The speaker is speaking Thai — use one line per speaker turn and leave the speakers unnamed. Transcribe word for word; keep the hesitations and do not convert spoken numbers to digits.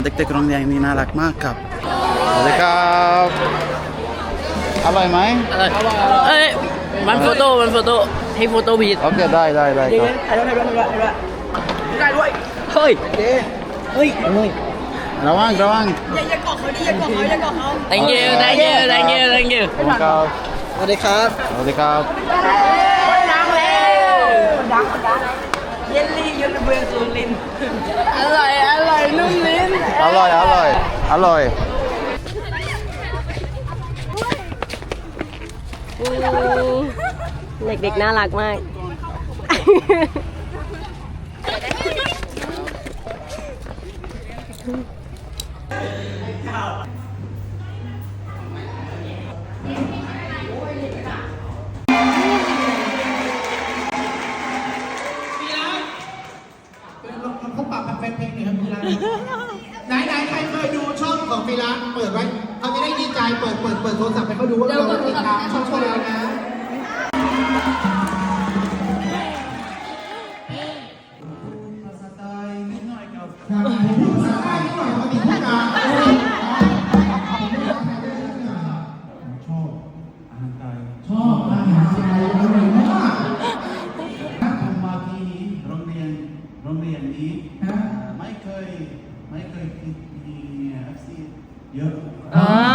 เด็กๆโรงเรียนนี้น่ารักมากครับสวัสดีครับอร่อยไหม
เอ้ยมันโฟโต้มันโฟโต้ให้โฟโต้บีด
โอเคได้ได้ได้ครับ
ถ่ายด้วยถ่ายด้วยถ่ายด้วยถ่ายด้วยเฮ้ยเฮ้ยเฮ้ย
ระวังระวัง
อย่าอย่าเกาะเขาดิอย่าเกาะเขาอย่าเกาะเขา
thank you thank you thank you thank you
ขอบคุณครับ
สวัสดีครับ
สวัสดีครับ
ดังแล้วดังดังเยลลี่ยูนเบืองซูลิน
อร่อยอร่อยนุ่มลิ้น
อร่อยอร่อยอร่อย
เด็กๆน่ารักมาก
เขาปรับแฟนเพลงหน่อยครับฟิลันไหนไหนใครเคยดูช่องของฟิลันเปิดไว้เขาจะได้ดีใจเปิดเปิดเปิดโทรศัพท์ให้เขาดูว่าเราติดตามช่องเรานะภาษาใต้นิดหน่อยครับภาษาใต้นิดหน่อยเขาติดพูดกันชอบอาหารไทยชอบอาหารไทยอร่อยมากผมมาที่โรงเรียนโรงเรียนนี้ไม่เคยไม่เคยมีเอฟซีเยอะ
อ่า